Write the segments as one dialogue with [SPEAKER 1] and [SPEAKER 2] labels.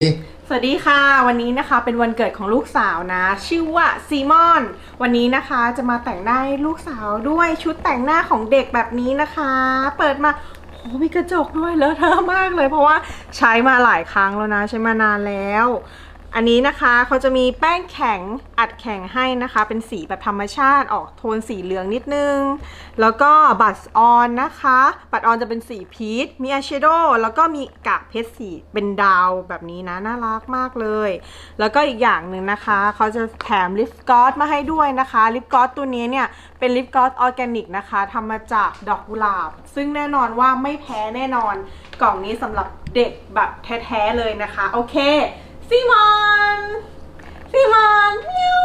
[SPEAKER 1] สวัสดีค่ะวันนี้นะคะเป็นวันเกิดของลูกสาวนะชื่อว่าซีมอนวันนี้นะคะจะมาแต่งหน้าให้ลูกสาวด้วยชุดแต่งหน้าของเด็กแบบนี้นะคะเปิดมาโอ้มีกระจกด้วยเลอะเทอะมากเลยเพราะว่าใช้มาหลายครั้งแล้วนะใช้มานานแล้วอันนี้นะคะเขาจะมีแป้งแข็งอัดแข็งให้นะคะเป็นสีแบบธรรมชาติออกโทนสีเหลืองนิดนึงแล้วก็บัตรออนนะคะบัตรออนจะเป็นสีพีชมีอายแชโดว์แล้วก็มีกากเพชรสีเป็นดาวแบบนี้นะน่ารักมากเลยแล้วก็อีกอย่างหนึ่งนะคะเขาจะแถมลิปกลอสมาให้ด้วยนะคะลิปกลอสตัวนี้เนี่ยเป็นลิปกลอสออร์แกนิกนะคะทำมาจากดอกกุหลาบซึ่งแน่นอนว่าไม่แพ้แน่นอนกล่องนี้สำหรับเด็กแบบแท้ๆเลยนะคะโอเคซีมอนเมียว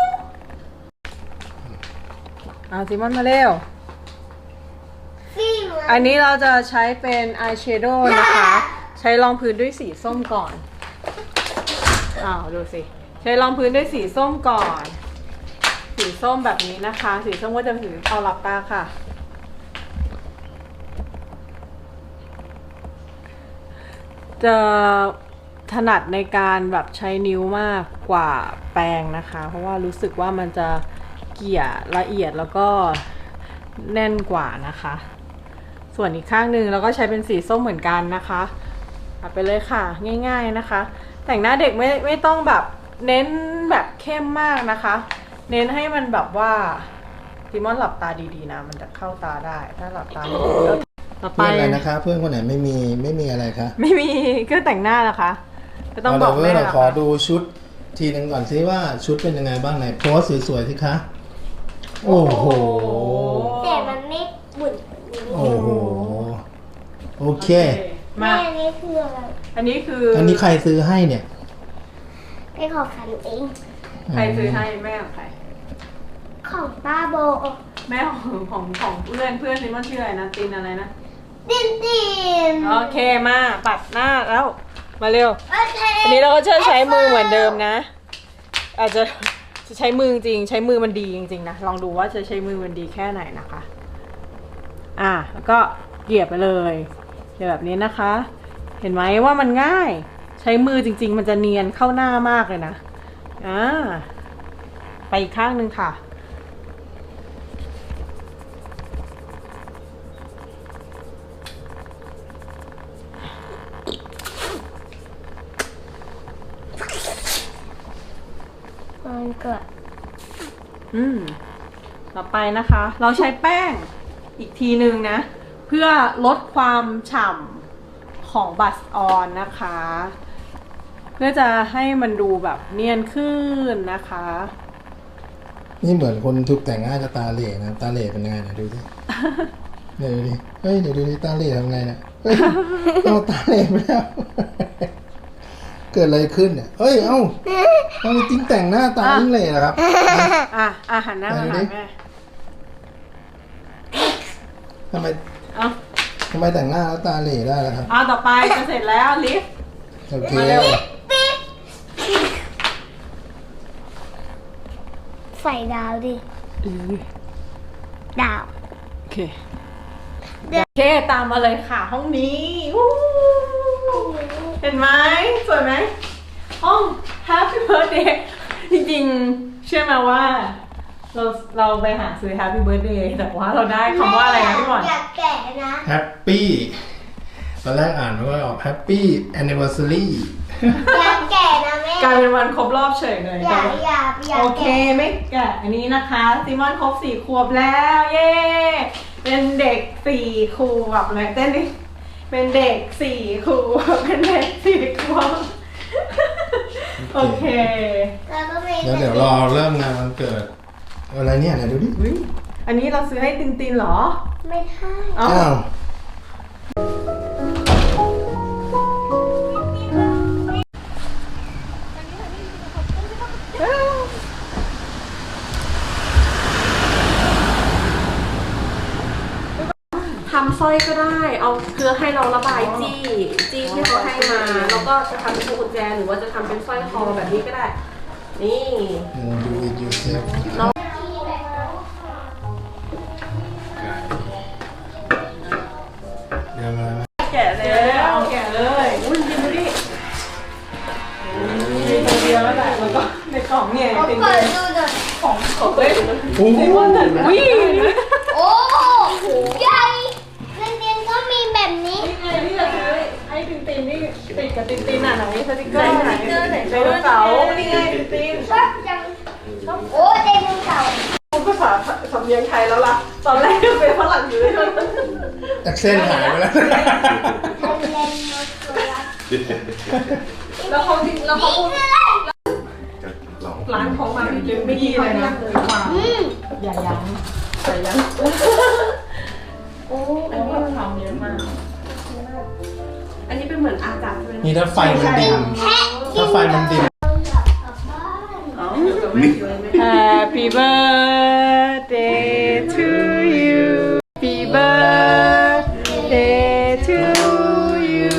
[SPEAKER 1] ซีมอนมาเร็วอันนี้เราจะใช้เป็นอายแชโดว์นะคะใช้รองพื้นด้วยสีส้มก่อนดูสิใช้รองพื้นด้วยสีส้มก่อนสีส้มแบบนี้นะคะสีส้มก็จะถือเอาหลับตาค่ะจะถนัดในการแบบใช้นิ้วมากกว่าแปรงนะคะเพราะว่ารู้สึกว่ามันจะเกี่ยละเอียดแล้วก็แน่นกว่านะคะส่วนอีกข้างหนึ่งเราก็ใช้เป็นสีส้มเหมือนกันนะคะเอาไปเลยค่ะง่ายๆนะคะแต่งหน้าเด็กไม่ต้องแบบเน้นแบบเข้มมากนะคะเน้นให้มันแบบว่าซิมอนหลับตาดีๆนะมันจะเข้าตาได้ถ้าหลับตาไม่ดีต่อไป
[SPEAKER 2] อะไรนะคะเพื่อนคนไหนไม่มีอะไรคะ
[SPEAKER 1] ไม่มีเครื่องแต่งหน้านะคะก็ต้องบอกแม่
[SPEAKER 2] ขอดูชุดทีนึงก่อนซิว่าชุดเป็นยังไงบ้างไหนโพสสวยๆสิคะโอ้โห
[SPEAKER 3] แต่มันไม่บุ่น
[SPEAKER 2] โอ้โหโอเค
[SPEAKER 3] แม่อันนี้คืออะไร
[SPEAKER 1] อันนี้
[SPEAKER 2] ใครซื้อให้เนี่ย
[SPEAKER 3] เป็นของฉันเอง
[SPEAKER 1] ใครซื้อให้แม่ของใคร
[SPEAKER 3] ของป้าโบ
[SPEAKER 1] แม่ของเพื่อนซิมอนชื่ออะไรนะตินอะไรนะ
[SPEAKER 3] ติน
[SPEAKER 1] โอเคมาปัดหน้าแล้วมาเร็ว
[SPEAKER 3] โอเค
[SPEAKER 1] อันนี้เราก็ใช้มือเหมือนเดิมนะอาจจะใช้มือจริงใช้มือมันดีจริงๆนะลองดูว่าจะใช้มือมันดีแค่ไหนนะคะแล้วก็เกลี่ยไปเลยแบบนี้นะคะเห็นไหมว่ามันง่ายใช้มือจริงๆมันจะเนียนเข้าหน้ามากเลยนะไปอีกข้างหนึ่งค่ะ
[SPEAKER 3] มันเกิด
[SPEAKER 1] ต่อไปนะคะเราใช้แป้งอีกทีหนึ่งนะเพื่อลดความฉ่ำของบัสออนนะคะเพื่อจะให้มันดูแบบเนียนขึ้นนะคะ
[SPEAKER 2] นี่เหมือนคนถูกแต่งหน้าจะตาเหล่นะตาเหล่เป็นยังไงนะดูสิเดี๋ยวดูดิเฮ้ยเดี๋ยวดูดิตาเหล่ทำไงนะเฮ้ยเอาตาเหล่ไปแล้วเกิดอะไรขึ้นเนี่ยเฮ้ยเอ้าจริงแต่งหน้าตายิ่งเหล่นะครับ
[SPEAKER 1] หันหน้ามาหาแม่
[SPEAKER 2] ทำไมแต่งหน้าแล้วตาเหล่ได้ล่ะครับ
[SPEAKER 1] ต่อไปจะเสร็จแล้วลิฟต์
[SPEAKER 2] โอเค
[SPEAKER 3] ใส่ดาวดิดาว
[SPEAKER 1] โอเคตามมาเลยค่ะห้องนี้เห็นไหมสวยไหมห้อง Happy Birthday จริงๆเชื่อไหมว่าเราไปหาซื้อ Happy Birthday แต่ว่าเราได้คำว่าอะไรนะพี่บอล
[SPEAKER 3] อยากแกะนะ
[SPEAKER 2] Happy ตอนแรกอ่านว่าออก Happy Anniversary
[SPEAKER 3] อยากแกะนะแม่
[SPEAKER 1] กลายเป็นวันครบรอบเฉยเลย
[SPEAKER 3] อยาก
[SPEAKER 1] โอเคไม่แกะอันนี้นะคะซิมอนครบ4 ขวบแล้วเย้เป็นเด็ก4 ขวบเลยเต้นดิเป็นเด็ก4 ขวบเป็นเด็ก4 ขวบโอเค
[SPEAKER 2] แล้วเดี๋ยวรอเริ่มงานวันเกิดอะไรเนี่ยไหนดูดิ
[SPEAKER 1] อันนี้เราซื้อให้ตินเหรอ
[SPEAKER 3] ไม่ใช่
[SPEAKER 2] อ้าว
[SPEAKER 1] ทำสร้อยก็ได้เอาเพื่อให้เราระบายจี้ที่เขาให้มาแล้วก็จะทำเป็นพวงกุญแจหรือว่าจะทำเป็นสร้อยคอแบบนี้ก็ได้นี่
[SPEAKER 2] ดูอีกยูเซฟแกะเลย
[SPEAKER 1] อุ้ยดูดิเดียวแล้วแหละแล้วก็ในกล่องเนี่ย
[SPEAKER 3] เอา
[SPEAKER 1] เป็น
[SPEAKER 3] เปิดดูหน่อย
[SPEAKER 1] ของเล่น
[SPEAKER 2] โอ้โห
[SPEAKER 1] วิ่ง
[SPEAKER 3] โอ้ใหญ่เรียนก็มีแบบนี้
[SPEAKER 1] นี่ไงที่จะซื้อให้ตินตินนี่ติดกับตินตินอ่ะไหนสติกเกอร์ไหนไดโนเสาร์นี่ไงตินติน
[SPEAKER 3] ชอบจังโอ้ไดโนเสาร์
[SPEAKER 1] พูดภาษาสำเนียงไทยแล้วล่ะตอนแรกเป็นฝรั่งอยู่เลย
[SPEAKER 2] แอคเซนต์หายไปแล้ว
[SPEAKER 3] ไดโนเสาร์
[SPEAKER 1] แล้วเขาจริงแล้วเขาพูด
[SPEAKER 4] เรา
[SPEAKER 1] ร้านของมาพี่เจมไม่ดีเลยนะ อย่ายั้งอย่ายั้งโอ้อันนี้ทำเยอะมากอันนี้เป็นเหมือนอาจารย์ใช่ไหม
[SPEAKER 2] นี่ถ้าไฟมันดิมถ้าไฟมันดิม
[SPEAKER 1] Happy birthday to you Happy birthday to you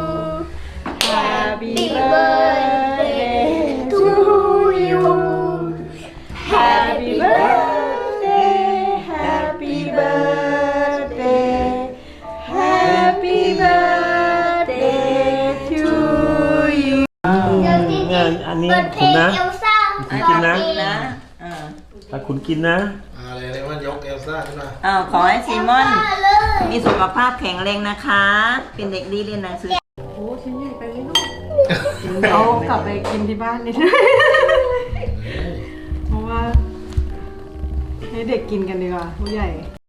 [SPEAKER 1] Happy birthday to you Happy birthday Happy birthday Happy birthday to you
[SPEAKER 5] งั้นอันนี้
[SPEAKER 3] เปิดเพล
[SPEAKER 5] คุณ
[SPEAKER 3] ง
[SPEAKER 5] นะ
[SPEAKER 3] เอลซ่า
[SPEAKER 5] กินนะ
[SPEAKER 6] นะ
[SPEAKER 5] ถ้าคุณกินนะ
[SPEAKER 2] อะไรเรียกว่ายกเอลซ่าขึ้นมา
[SPEAKER 6] ขอให้ซีมอน
[SPEAKER 3] เลย
[SPEAKER 6] มีสุขภาพแข็งแรงนะคะ เป็นเด็กดีเรียนหนังสือ
[SPEAKER 1] โอ้ชิ้นใหญ่ไปไหมลูกเอากลับไปกินที่บ้านนิดนึงเพราะว่าให้เด็กกินกันดีกว่าผู้ใหญ่